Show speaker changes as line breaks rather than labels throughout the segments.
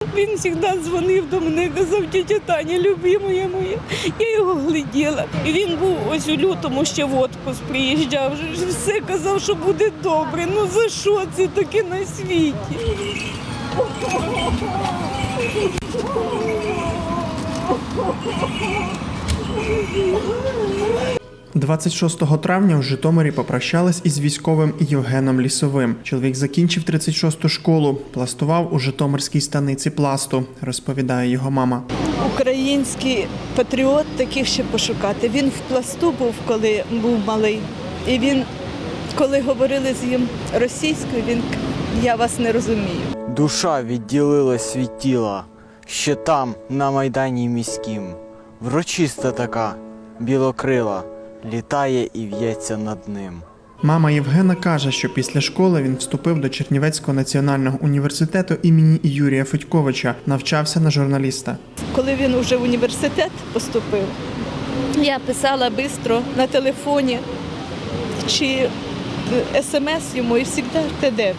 Він завжди дзвонив до мене, казав, тітя Таня, любимая моя. Я його гляділа. І він був ось у лютому ще в отпуск приїжджав. Все казав, що буде добре. Ну за що це таке на світі?
26 травня в Житомирі попрощались із військовим Євгеном Лісовим. Чоловік закінчив 36-ту школу, пластував у Житомирській станиці пласту, розповідає його мама.
Український патріот, таких ще пошукати. Він в пласту був, коли був малий. І він, коли говорили з ним російською, він «я вас не розумію».
Душа відділилась від тіла, ще там, на Майдані міськім. Врочиста така, білокрила, літає і в'ється над ним.
Мама Євгена каже, що після школи він вступив до Чернівецького національного університету імені Юрія Федьковича, навчався на журналіста.
Коли він вже в університет поступив, я писала швидко на телефоні чи смс йому і завжди Т9.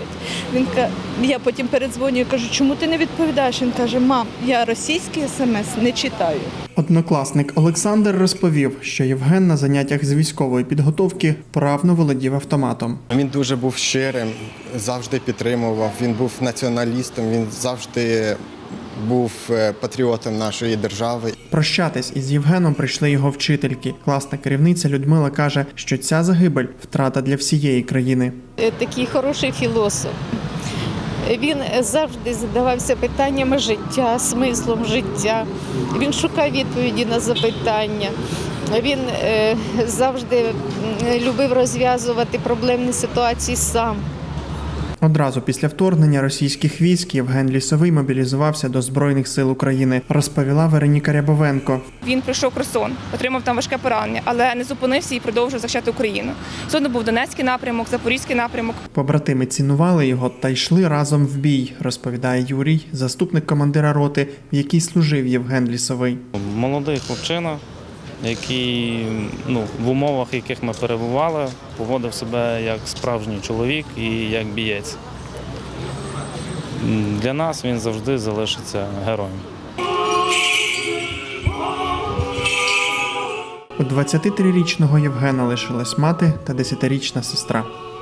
Я потім передзвонюю і кажу, чому ти не відповідаєш? Він каже, мам, я російський смс не читаю.
Однокласник Олександр розповів, що Євген на заняттях з військової підготовки вправно володів автоматом.
Він дуже був щирим, завжди підтримував, він був націоналістом, він завжди був патріотом нашої держави.
Прощатись із Євгеном прийшли його вчительки. Класна керівниця Людмила каже, що ця загибель – втрата для всієї країни.
Такий хороший філософ. Він завжди задавався питаннями життя, смислом життя. Він шукав відповіді на запитання. Він завжди любив розв'язувати проблемні ситуації сам.
Одразу після вторгнення російських військ Євген Лісовий мобілізувався до Збройних сил України, розповіла Вероніка Рябовенко.
Він пройшов Херсон, отримав там важке поранення, але не зупинився і продовжив захищати Україну. Згодом був Донецький напрямок, Запорізький напрямок.
Побратими цінували його та йшли разом в бій, розповідає Юрій, заступник командира роти, в якій служив Євген Лісовий.
Молодий хлопчина, який в умовах, в яких ми перебували, поводив себе як справжній чоловік і як бієць. Для нас він завжди залишиться героєм.
У 23-річного Євгена лишилась мати та 10-річна сестра.